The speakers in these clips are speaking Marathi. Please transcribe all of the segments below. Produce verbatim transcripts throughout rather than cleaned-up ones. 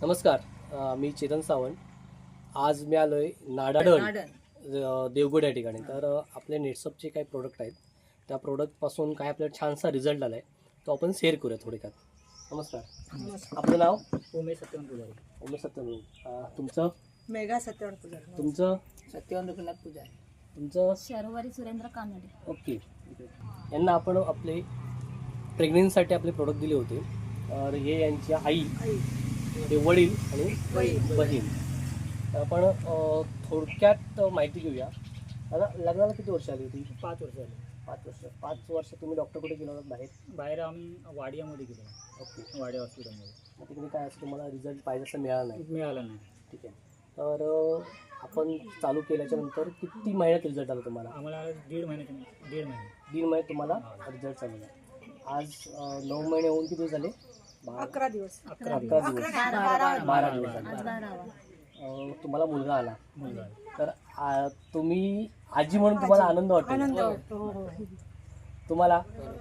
नमस्कार, अ, मी चेतन सावंत. आज मी आलो आहे नाडाडण देवगड या ठिकाणी. तर अ, आपले नेटसपचे काही प्रोडक्ट आहेत, त्या प्रोडक्टपासून काय आपल्याला छानसा रिझल्ट आला आहे, तो आपण शेअर करूया थोडक्यात. नमस्कार. आपलं नाव? उमेश सत्यवान पुजारी. उमेश सत्यवान. अ, तुमचं? मेघा सत्यवान पुजारी. तुमचं? सत्यवान रघुनाथ पुजारी. तुमचं? शर्वरी सुरेंद्र कानडे. ओके. यांना आपण आपले प्रेग्नेन्सीसाठी आपले प्रोडक्ट दिले होते. तर हे यांची आई, हे वडील आणि बहीण. तर आपण अ, थोडक्यात माहिती घेऊया. आता लग्नाला किती वर्ष आली होती? पाच वर्ष झाले. पाच वर्ष. पाच वर्ष तुम्ही डॉक्टर कुठे गेला होता बाहेर? बाहेर आम्ही वाडियामध्ये गेलो. ओके. वाडिया हॉस्पिटलमध्ये. मग तिकडे काय असं तुम्हाला रिझल्ट पाहिजे असं मिळाला नाही? मिळालं नाही. ठीक आहे. तर अ, आपण चालू केल्याच्या नंतर किती महिन्यात रिझल्ट आला तुम्हाला? आम्हाला दीड महिन्याच्या दीड महिने दीड महिन्यात तुम्हाला रिझल्ट चालू आहे. आज अ, नऊ महिने होऊन किती झाले? बारा- अकरा दिवस अकरा अकरा दिवस. दिवस. बारा बारा दिवस झाले. आज बारावा. अ, तुम्हाला मुलगा आला. मुलगा आहे. तर आ, तुम्ही आजी म्हणून तुम्हाला आनंद वाटतो? आनंद वाटतो. हो, हो. तुम्हाला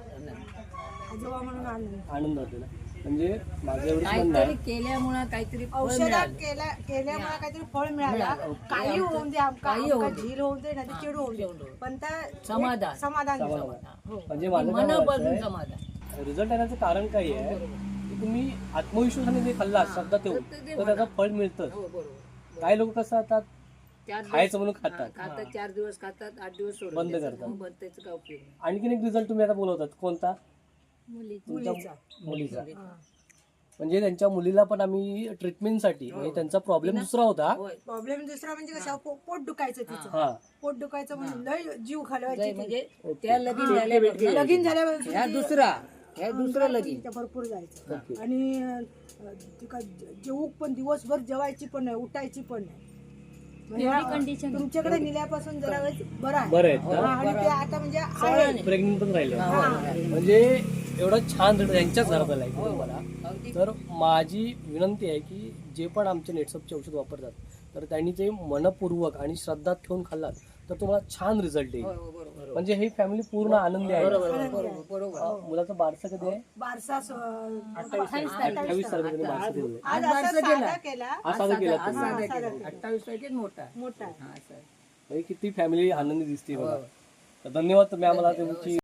आजोबा म्हणून आनंद. आनंद वाटतो ना? म्हणजे माझं एवढंच म्हणणं आहे, केल्यामुळे काहीतरी फळ औषधात मिळालं. केल्या केल्यामुळे काहीतरी फळ मिळालं. मिळालं. काही होऊन दे, आमका काही आमका होऊन दे. झील होऊन दे ना ती चिड होऊन दे, चिड होऊन. पण त्या समाधान. एक समाधान समाधान. समाधान. हो. म्हणजे माझं काय मनापासून म्हणायचं समाधान. रिझल्ट येण्याचं कारण काय आहे की तुम्ही आत्मविश्वासाने जे खाल्ला श्रद्धा ठेवून तर ते तर त्याचं फळ मिळतं. हो बरोबर. काही लोक कसं आता चार दिवस- खायचं म्हणून हा, खातात, खातात चार दिवस खातात आठ दिवस सोडून बंद देतात. करतात. हो, बंद त्याचं काय उपयोग नाही. आणखीन एक रिझल्ट तुम्ही आता बोलवतात, कोणता? मुलीची. तुमच्या मुलीचा. मुलीचा. हा. म्हणजे त्यांच्या मुलीला पण आम्ही ट्रीटमेंटसाठी, म्हणजे त्यांचा प्रॉब्लेम दुसरा होता. होय. प्रॉब्लेम दुसरा म्हणजे कसं पो- पोट दुखायचं तिचं. हा. पोट दुखायचं म्हणजे लय जीव जाय घालवायची ती. म्हणजे ओके. त्या लगीन झाल्यापासून लगीन झाल्यावर ह्या दुसरा ह्या दुसरं लगीन तिच्या भरपूर जायचं. ओके. आणि अं, तिका जेवू पण दिवसभर जेवायची पण नाही, उठायची पण नाही. एवढी condition. तुमच्याकडे नेल्यापासून जरा वेळ बरं आहे. बरं आहेत हा, ना? आणि ते आता म्हणजे आहे. प्रेग्नेंट पण राहिले. हा, होय. म्हणजे एवढं छान रिझल्ट यांच्याच घरात आलाय की तुम्हाला. अगदी तर माझी विनंती आहे की जे पण आमचे नेटसपचे औषध वापरतात तर त्यांनी ते मनपूर्वक आणि श्रद्धा ठेवून खाल्लात तर तुम्हाला छान रिझल्ट येईल. होय, होय, बरोबर म्हणजे ही फॅमिली पूर्ण आनंदी आहे. बरोबर बरोबर बरोबर अ, मुलाचं बारसं कधी आहे? बारसा स- अठ्ठावीस तारखेला बारसं केलेलं आहे. आज आज असं बारसा केला. साधा केला. आज साजरा केला आज तुम्ही. साधा साधा केला. केला. अठ्ठावीस तारखेत मोठा मोठा हा असं आहे. म्हणजे किती फॅमिली आनंदी दिसते बघा. हो. तर धन्यवाद तुम्ही आम्हाला तुमची